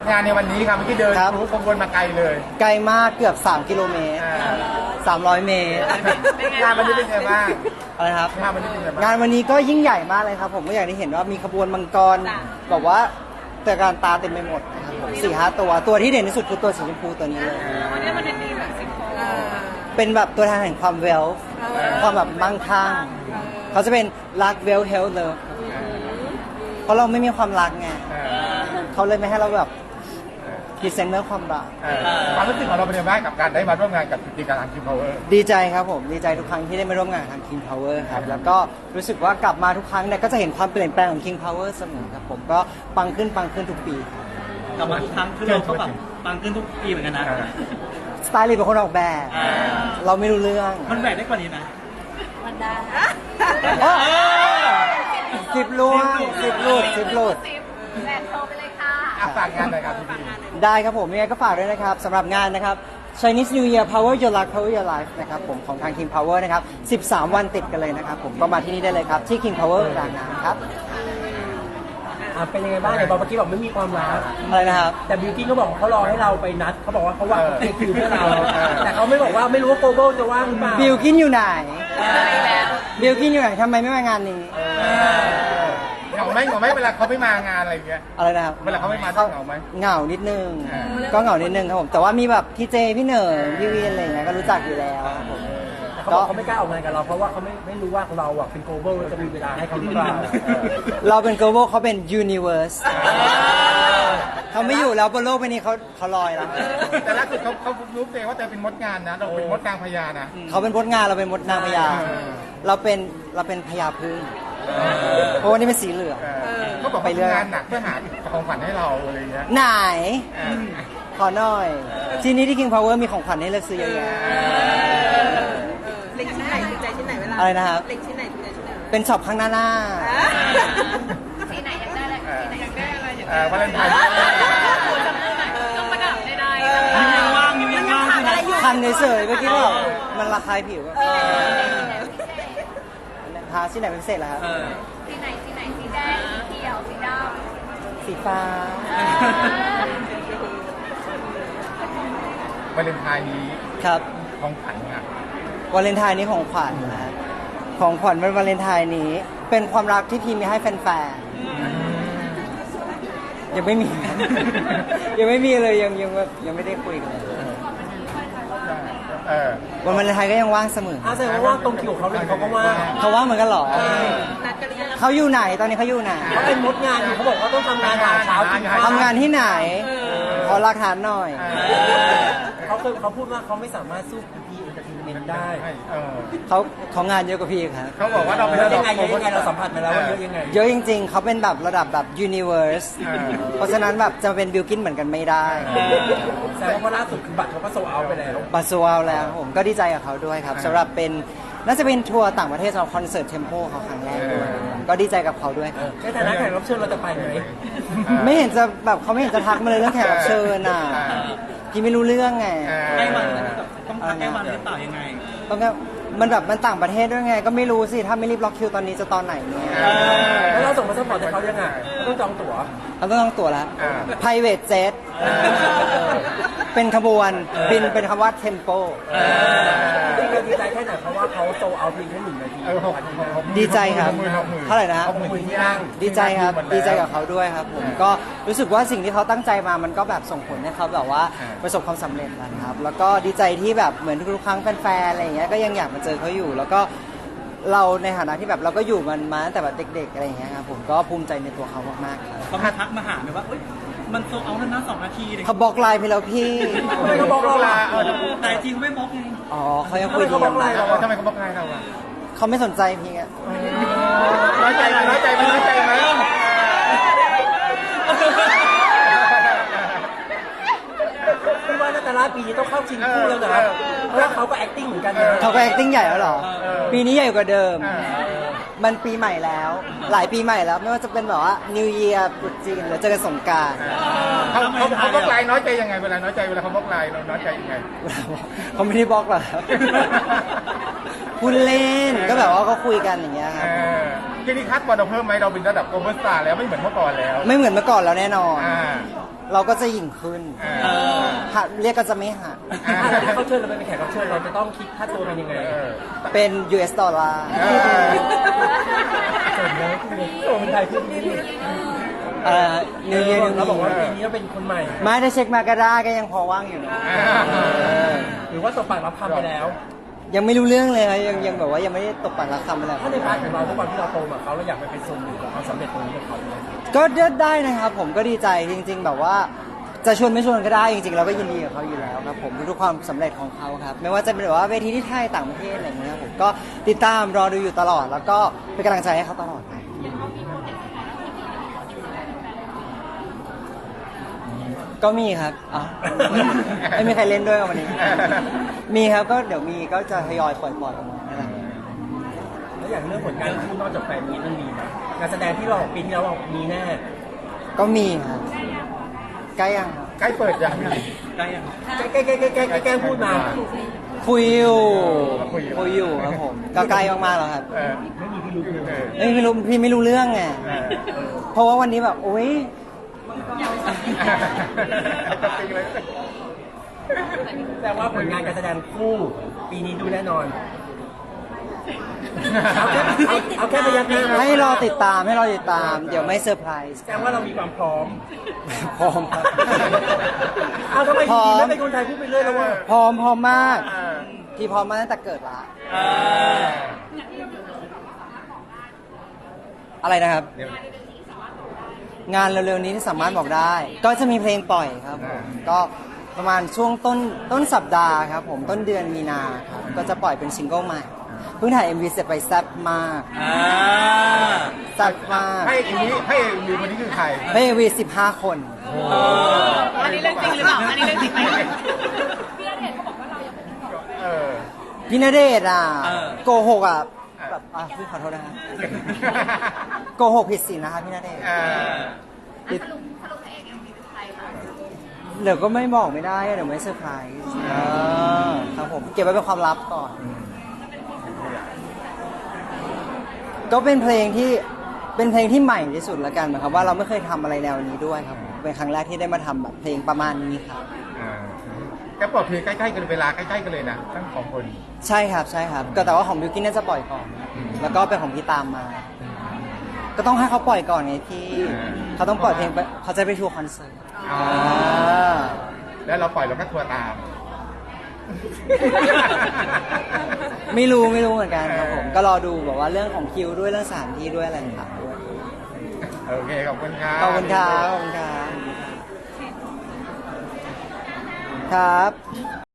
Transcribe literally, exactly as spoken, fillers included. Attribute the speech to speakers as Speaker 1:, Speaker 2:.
Speaker 1: งานในวันนี้ครับเมื่อกี้เดิน
Speaker 2: ครับ
Speaker 1: รู้ขบวนมาไกลเลย
Speaker 2: ไกลมากเกือบสามกิโลเมตร
Speaker 1: อ่า
Speaker 2: สามร้อยเมตร
Speaker 1: งานวันนี้เป็นไงบ้าง
Speaker 2: อะไรครับ
Speaker 1: งานวันนี้เป็นไงบ้าง
Speaker 2: งานวันนี้ก็ยิ่งใหญ่มากเลยครับผมก็อย่างที่เห็นว่ามีขบวนมังกรแบบว่าแต่การตาเต็มไปหมดนะครับผมสี่ห้าตัวตัวที่เด่นที่สุดคือตัวสีชมพูตัวนี้เลย
Speaker 3: วันนี้มันเป็นดีแบบสิงคโปร์
Speaker 2: เป็นแบบตัวแทนแห่งความเวลความแบบมั่งคั่งเขาจะเป็นรักเวลเฮลเลยเพราะเราไม่มีความรักไง
Speaker 1: เออ
Speaker 2: เขาเลยไม่ให้เราแบบพรีเซนต์เรื่องความรัก
Speaker 1: เออความรู้สึกของเราเป็นยังไงบ้างกับการได้มาร่วมงานกับกิจการทางคิมพาวเวอร์
Speaker 2: ดีใจครับผมดีใจทุกครั้งที่ได้มาร่วมงานกับทาง King Power ครับแล้วก็รู้สึกว่ากลับมาทุกครั้งเนี่ยก็จะเห็นความเปลี่ยนแปลงของ King Power เสมอครับผมก็ปังขึ้นปังขึ้นทุกปีครับ
Speaker 4: กลับมาทุกครั้งคือเราก็แบบปังขึ้นทุกปีเหมือนกันนะ
Speaker 2: สไตลิสต์เป็นคนออกแบบ
Speaker 4: อ่า
Speaker 2: เราไม่รู้เรื่อง
Speaker 4: มันแหวกได้กว่านี้นะ
Speaker 3: มันได้
Speaker 2: สิบลูกสิบลูกสิบลูก
Speaker 3: แบกโชว์ไปเลยค่ะ
Speaker 1: อ่ะฝากงานหน่อยครับพี่บี
Speaker 2: ได้ครับผมยังไงก็ฝากด้วยนะครับสำหรับงานนะครับ Chinese New Year Power Your Life Power Your Life นะครับผมของทาง King Power นะครับสิบสามวันติดกันเลยนะครับผมก็มาที่นี่ได้เลยครับที่ King Power รางน้ำครับ
Speaker 5: อ่ะเป็นยังไงบ้างไหนบอกเมื่อกี้บอกไม่มีความรัก
Speaker 2: อะไรนะครับ
Speaker 5: แต่บิวกิ้นเขาบอกว่าเขารอให้เราไปนัดเขาบอกว่าเขาว่างเขาเคลียร์คิวเพื่อเรา แต่เขาไม่บอกว่าไม่รู้ว่าโกโบจะว่างหรือเปล่า
Speaker 2: บิลกินอยู่ไหนบิลกินอยู่ไหนทำไมไม่มางานนี้
Speaker 1: เหงาไหมเหงาไหมเวลาเขาไม่มางานอะไรอย่างเงี้ย
Speaker 2: อะไรนะครับ
Speaker 1: เวลาเขาไม่มาต้องเหงาไหม
Speaker 2: เหงานิดนึง
Speaker 1: อ่า
Speaker 2: ก็เหงานิดนึงครับผมแต่ว่ามีแบบพี่เจพี่เหนิงพี่วีนอะไรอย่างเงี้ยก็รู้จักอยู่แล้วครับผม
Speaker 5: เขาบอกเขาไม่กล้าออกงานกับเราเพราะว่าเขาไม่ไม่รู้ว่าเราอ่ะเป็นโกโบจะมีเวลาให้เขาหรือเปล่า
Speaker 2: เราเป็น global เขาเป็น universe เขาไม่อยู่แล้วบนโลกใบนี้เขาเขาลอยแล้ว
Speaker 1: แต่ล่าสุดเขาเขารู้เองว่าเธอเป็นมดงานนะเราเป็นมดกลางพญานะ
Speaker 2: เขาเป็นมดงานเราเป็นมดนางพญา
Speaker 1: เออ
Speaker 2: เราเป็นเราเป็นพญาพึ่งเพราะว่านี่เป็นสีเหลือง
Speaker 1: เออเขาบอก
Speaker 2: ไป
Speaker 1: ไป
Speaker 2: เรื่
Speaker 1: เรื่
Speaker 2: อ
Speaker 1: อย งานหนักเพื่อหาของขวัญให้เราอะไรอย่างเงี้ย
Speaker 2: ไหน
Speaker 1: เออ
Speaker 2: ขอหน่อย ทีนี้ที่ King Power มีของขวัญให้เลือกซื้อเยอะแยะ
Speaker 3: เล็งชิ้นไหนถูกใจชิ้นไหนเวลา
Speaker 2: อะไรนะครับ
Speaker 3: เล็งชิ้นไหนถูกใจชิ้นไหน
Speaker 2: เป็นช็อปข้างหน้าหน้า
Speaker 3: สีไหนอยากได้อะไรสีไหนอยากได้อะไรอยาก
Speaker 1: เออวาเลนไทน์
Speaker 3: จำได้ไหมต้องประดับได้
Speaker 4: นิ้วยังว่างนิ้วยังว่างใช่ไหม
Speaker 2: คันเฉยๆเมื่อกี้บอกมันระคายผิวอะทาที่ไหนเป็นพิเศษแล้วครับ
Speaker 4: เออ
Speaker 3: สีไหนสีไหนสีแดงสีเขียวสีด
Speaker 2: สีฟ้า
Speaker 1: วาเลนไทน์นี้
Speaker 2: ครับ
Speaker 1: ของขวัญอ่ะ
Speaker 2: วาเลนไทน์นี้ของขวัญนะครับของขวัญวันวาเลนไทน์นี้ เป็นความรักที่พีมีให้แฟนๆยังไม่มี ยังไม่มีเลยยังยังแบบยังไม่ได้คุยกันเลย
Speaker 1: เออ
Speaker 2: วันวาเลนไทน์ก็ยังว่างเสมอ
Speaker 5: อาแสดงว่าว่างตรงคิวของเขาเลยเขาก็ว่าง
Speaker 2: เขาว่างเหมือนกันเหรอ
Speaker 3: ำนัดกันหรือยัง
Speaker 2: เขาอยู่ไหนตอนนี้เขาอยู่ไหน
Speaker 5: เขาเป็นมดงานอยู่เขาบอกว่าต้องทำงานหาเช้ากินข้าว
Speaker 2: ทำงานที่ไหนขอหลักฐานหน่อย
Speaker 5: เขาเคยเขาพูดว่าเขาไม่สามารถสู้พีเอ็นเตอร์เทนเมนต์ได้
Speaker 1: เออ
Speaker 2: เขาเขางานเยอะกว่าพี่ครับ
Speaker 1: เขาบอกว่าเราเป็น
Speaker 5: เย
Speaker 1: ระ
Speaker 5: อะ
Speaker 1: ดั
Speaker 5: ยั
Speaker 1: บ
Speaker 5: งไงเยอะยังไงเราสัมผัสมาแล้วว่าเยอะยังไง
Speaker 2: เยอะจริงๆ เขาเป็นแบบระดับแบบ universe
Speaker 1: เออ
Speaker 2: เพราะฉะนั้นแบบจะเป็นบิลกินเหมือนกันไม่ได้
Speaker 5: แต่ว่าล่าสุดคือบัตรเขาก็โซเอาไปแล้ว
Speaker 2: บัสวาลแล้วผมก็ดีใจกับเขาด้วยครับสำหรับเป็นน่าจะเป็นทัวร์ต่างประเทศสำหรับคอนเสิร์ตเทมโปเขาครั้งแรกด้วยก็ดีใจกับเขาด้วยครับ
Speaker 5: ในฐานะแขกรับเชิญเราจะไปไหม
Speaker 2: ไม่เห็นจะแบบเขาไม่เห็นจะทักมาเลยเรื่องแขกรับเชิญอ่ะพี่ไม่รู้เรื่องไง
Speaker 1: เออ
Speaker 4: ใกล้วันแล้วแบบต้องพักใกล้วันหรือเปล่ายังไง
Speaker 2: ต้องก็มันแบบมันต่างประเทศด้วยไง ก็ไม่รู้สิถ้าไม่รีบล็อกคิวตอนนี้จะตอนไหนเนี่ย
Speaker 5: แล้วเราส่งมาสปอร์ตให้เขายังไงต้องจองตั๋ว
Speaker 2: เราต้องต้องตั๋วแล้ว
Speaker 1: อ่า
Speaker 2: private jet เป็นขบวนบินเป็นคำว่า tempo
Speaker 5: จริงๆดีใจแค่ไหนเพราะว่าเขาโซเอาเพียงแค่หนึ่งนาที
Speaker 1: เออหกหกหก
Speaker 2: ดีใจครับ
Speaker 1: หกหมื่นหกหมื่น
Speaker 2: เท่าไหร่นะ
Speaker 1: หกหมื่นที่นั่ง
Speaker 2: ดีใจครับ
Speaker 1: หมแล้ว
Speaker 2: ดีใจกับเขาด้วยครับผมก็รู้สึกว่าสิ่งที่เขาตั้งใจมามันก็แบบส่งผลให้เขาแบบว่า
Speaker 1: อ่า
Speaker 2: ประสบความสำเร็จนะครับ แล้วก็ดีใจที่แบบเหมือนทุกๆครั้งแฟนๆอะไรอย่างเงี้ยก็ยังอยากมาเจอเขาอยู่ แล้วก็เราในฐานะที่แบบเราก็อยู่มันมาตั้งแต่แบบเด็กๆอะไรอย่างเงี้ยครับผมก็ภูมิใจในตัวเขามากๆครับ
Speaker 4: เขามาทักมาหาไหมว่าเอ้ยมันโซเอาแล้วนะสองนาทีเลย
Speaker 2: เขาบล็อกไลน์ไปแล้วพี่
Speaker 5: ทำไมเขาบล็อกเราล่ะ
Speaker 1: เออ
Speaker 4: แต่จริงเขาไม่บล็อกไง
Speaker 2: อ๋อเขายังคุยดี
Speaker 5: ทำไมเขาบล็อกไลน์
Speaker 1: เออทำไมเขาบล็อกไลน์เราอ่ะ
Speaker 2: เขาไม่สนใจพี่อะ
Speaker 1: น้อยใจไหมน้อยใจไหมน้อยใจไหม
Speaker 5: พี่ว่านาตาลาปีนี้ต้องเข้าชิงคู่แล้วนะครับเพราะว่าเขาก็ acting เหมือนกันนะ
Speaker 2: เขาก็ acting ใหญ่แล้วเหรอ ปีนี้ใหญ่กว่าเดิม
Speaker 1: เออ
Speaker 2: มันปีใหม่แล้ว หลายปีใหม่แล้วไม่ว่าจะเป็นแบบว่า New Year ตรุษจีนหรือเจอกันสงกรานต์
Speaker 1: เขาเขาเขาบล็อกไลน์น้อยใจยังไงเวลาน้อยใจเวลาเขาบล็อกไลน์เราน้อยใจยังไง
Speaker 2: เขาไม่ได้บล็อกหรอกครับ พูดเล่นก็แบบว่าก็คุยกันอย่างเงี้ยค
Speaker 1: เอ
Speaker 2: รับ
Speaker 1: อทีนี้คัดบอลเราเพิ่มไหมเราเป็นระดับโกลบอลสตาร์แล้วไม่เหมือนเมื่อก่อนแล้ว
Speaker 2: ไม่เหมือนเมื่อก่อนแล้วแน่นอน
Speaker 1: อ่า
Speaker 2: เราก็จะหยิ่งขึ้น
Speaker 1: เออ
Speaker 2: หัดเรียกก็จะไม่หัด
Speaker 1: อ่า
Speaker 5: ถ้าเขาเชิญเราไปเป็นแขกรับเชิญเราจะต้องคิดค่าตัวเป็นยังไง
Speaker 1: เออ
Speaker 2: เป็น ยู เอส ดอลลาร์
Speaker 1: เออ
Speaker 5: สมแล้วคุณเนี่ยโอ้คนไทยพูดดี
Speaker 2: เอ่อนิวเยียร์นิว
Speaker 5: เราบอกว่า
Speaker 2: มี
Speaker 5: ปีนี้เราเป็นคนใหม่
Speaker 2: ไม่ได้เช็คมาก็ได้ก็ยังพอว่างอยู่นะ
Speaker 1: อ่า
Speaker 2: เออ
Speaker 5: หรือว่าตบปากรับคำไปแล้ว
Speaker 2: ยังไม่รู้เรื่องเลยครับยังยังแบบว่ายังไม่ได้ตกปากรักคำอะไร
Speaker 5: ถ้าในพาร์ทของเราทุกวันที่เราโตมาเขาเราอยากไปเป็นส่วนหนึ่งของความสำเร็จตรงนี้กับเขาไหม
Speaker 2: ก็ได้นะครับผมก็ดีใจจริง ๆ แบบว่าจะชวนไม่ชวนก็ได้จริงๆเราก็ยินดีกับเขาอยู่แล้วครับผมทุกๆความสำเร็จของเขาครับไม่ว่าจะเป็นแบบว่าเวทีที่ไทยต่างประเทศอะไรอย่างเงี้ยครับผมก็ติดตามรอดูอยู่ตลอด แล้วก็เป็นกำลังใจให้เขาตลอดครับก็มีครับอ๋อไม่มีใครเล่นด้วยกับวันนี้ มีครับก็เดี๋ยวมีก็จะทยอยปล่อยๆออกมานั่นแหละ
Speaker 5: แล้วอย่างเรื่องผลงานคู่นอกจากแฟนมีตมันมีไหมงานแสดงที่เราออกปีที่แล้วเรามีแน่
Speaker 2: ก็มีครับใกล้ยังครับ
Speaker 1: ใกล้เปิดยัง
Speaker 4: ได้ยัง
Speaker 5: แกล้แกล้แกล้แกล้แกล้พูดมา
Speaker 2: คุยอยู่
Speaker 1: คุยอยู่
Speaker 2: คุยอยู่ครับผมก็ใกล้มากๆแล้วครับ
Speaker 1: เออ
Speaker 5: ไม่มีพิรุธเลย
Speaker 1: เออ
Speaker 2: เอ้ยไม่รู้พี่ไม่รู้เรื่องไง
Speaker 1: เออ
Speaker 2: เพราะว่าวันนี้แบบโอ๊ย
Speaker 1: จะจริงเลย
Speaker 5: แต่ว่าผลงานการแสดงคู่ปีนี้ดูแน่นอน เอาแค่เอาเอาแค่พยักหน้า
Speaker 2: ให้รอติดตามให้รอติดตาม เดี๋ยวไม่เซอร์ไพรส์
Speaker 5: แสดงว่าเรามีความพร้อม
Speaker 2: พร้อมครับ
Speaker 5: เอาทำไม
Speaker 2: พร้
Speaker 5: ที
Speaker 2: อม
Speaker 5: ไม่เป็นคนไทยพูดไปเรื่อยแล้วว่า
Speaker 2: พร้อมพร้อมมาก
Speaker 1: เออ
Speaker 2: ที่พร้อมมาตั้งแต่เกิดละ
Speaker 4: เออ
Speaker 2: อะไรนะครับ
Speaker 1: เดี๋ยว
Speaker 2: งานเร็วๆนี้ที่สามารถบอกได้ ก็จะมีเพลงปล่อยครับผมก็ประมาณช่วงต้นต้นสัปดาห์ครับผมต้นเดือนมีนาครับก็จะปล่อยเป็นซิงเกิลใหม่เพิ่งถ่าย เอ็ม วี เสร็จไปแซ่บมาก
Speaker 4: อ่า
Speaker 2: แซ่บมาก
Speaker 1: ให้อีนี้ให้อีคนนี้คือใคร
Speaker 2: เพลง เอ็ม วี สิบห้าคน
Speaker 3: อันนี้เรื่องจริงหรือเปล่า อันนี้เรื่องจริงไหม
Speaker 1: เออ
Speaker 2: พี่ณเดชน์อ่ะโกหกอ่ะแบบอ่ะพี่ขอโทษนะครับโกหกผิดศีลนะครับพี่ณเดชน์
Speaker 1: เออ
Speaker 2: เดี๋ยวก็ไม่บอกไม่ได้อะเดี๋ยวไม่เซอร์ไพรส์เออครับผมเก็บไว้เป็นความลับก่อน ก็เป็นเพลงที่เป็นเพลงที่ใหม่ที่สุดละกันนะครับว่าเราไม่เคยทำอะไรแนวนี้ด้วยครับผมเป็นครั้งแรกที่ได้มาทำแบบเพลงประมาณนี้ครับ
Speaker 1: อ่าก็ปลดเพลงใกล้ๆกันเวลาใกล้ๆกันเลยนะทั้งสองคน
Speaker 2: ใช่ครับใช่ครับก็แต่ว่าของบิวกิ้นน่าจะปล่อยก่อน แล้วก็เป็นของพี่ตามมา ก็ต้องให้เขาปล่อยก่อนไงพี่เขาต้องปล่อยเพลงไปเขาจะไปทัวร์คอนเสิร์ต
Speaker 1: อ๋อ
Speaker 2: อ่า
Speaker 1: แล้วเราปล่อยเราก็ทัวร์ตาม
Speaker 2: ไม่รู้ไม่รู้เหมือนกันครับผมก็รอดูแบบว่าเรื่องของคิวด้วยเรื่องสถานที่ด้วยอะไรต่างๆด้วย
Speaker 1: โอเคขอบคุณครับ
Speaker 2: ขอบคุณครับขอบคุณครับครับ